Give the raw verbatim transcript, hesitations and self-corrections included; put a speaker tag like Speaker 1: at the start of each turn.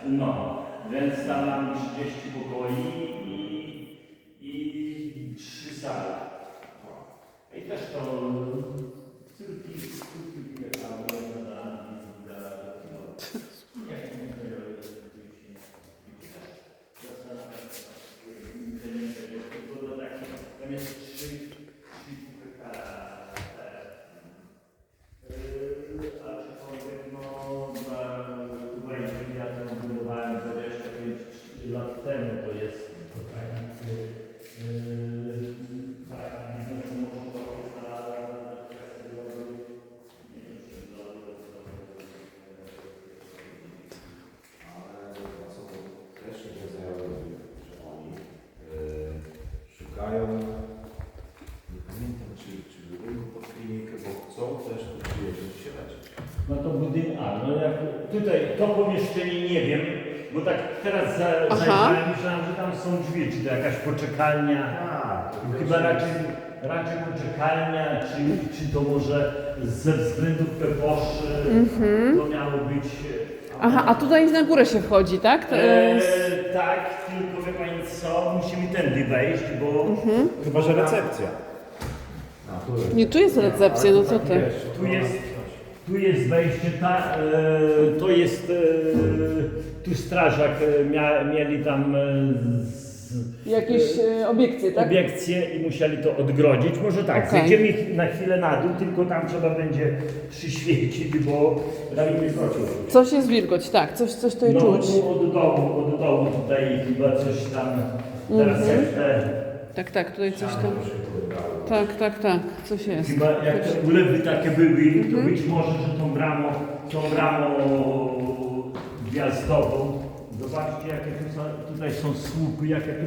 Speaker 1: No, więc tam mam trzydzieści pokoi i, i trzy sale. No. I też to córki, córki wyjechały na no, nie wiem, nie tam jest trzy, trzy hektara. Aczkolwiek no, chyba jeżeli ja to budowałem dwadzieścia pięć lat temu, to jest to tak, yy, tak, biznes może to jest na kwestię drogi, nie wiem, czy drogi,
Speaker 2: Ale co to też nie znajomych, że oni yy, szukają, nie pamiętam czy, czy budynku pod klinikę, bo chcą też tu przyjeżdżać się leczyć.
Speaker 1: no to budynek, a no jak tutaj to pomieszczenie nie wiem, bo tak teraz za, zajrzałem, myślałem, że tam są drzwi, czy to jakaś poczekalnia.
Speaker 2: Tak,
Speaker 1: No chyba raczej, raczej poczekalnia, czy, czy to może ze względów peposzy
Speaker 3: Mhm.
Speaker 1: to miało być.
Speaker 3: Aha, a tutaj na górę się wchodzi, tak? To
Speaker 1: E,
Speaker 3: jest...
Speaker 1: tak, tylko wie pani co, musimy tędy wejść, bo
Speaker 3: Mhm.
Speaker 2: Chyba, że recepcja. A, tu jest.
Speaker 3: Nie, tu jest recepcja, no co ty?
Speaker 1: tu jest, tu jest wejście, ta, e, to jest, e, tu strażak e, mia, mieli tam e, z,
Speaker 3: Jakieś e, obiekcje, tak?
Speaker 1: obiekcje i musieli to odgrodzić. Może tak,
Speaker 3: Okej.
Speaker 1: zejdziemy na chwilę na dół, tylko tam trzeba będzie przyświecić, bo tam nie wskoczył.
Speaker 3: Coś jest wilgoć, tak, coś, coś tutaj
Speaker 1: No
Speaker 3: czuć.
Speaker 1: tu od dołu, od dołu tutaj chyba coś tam, teraz
Speaker 3: Mhm.
Speaker 1: jak te,
Speaker 3: Tak, tak, tutaj coś tam. Tak, tak, tak, coś jest.
Speaker 1: chyba jak te ulewy takie były, to być może, że tą bramą, tą bramą gwiazdową. Zobaczcie jakie tu są, tutaj są słupy, jakie tu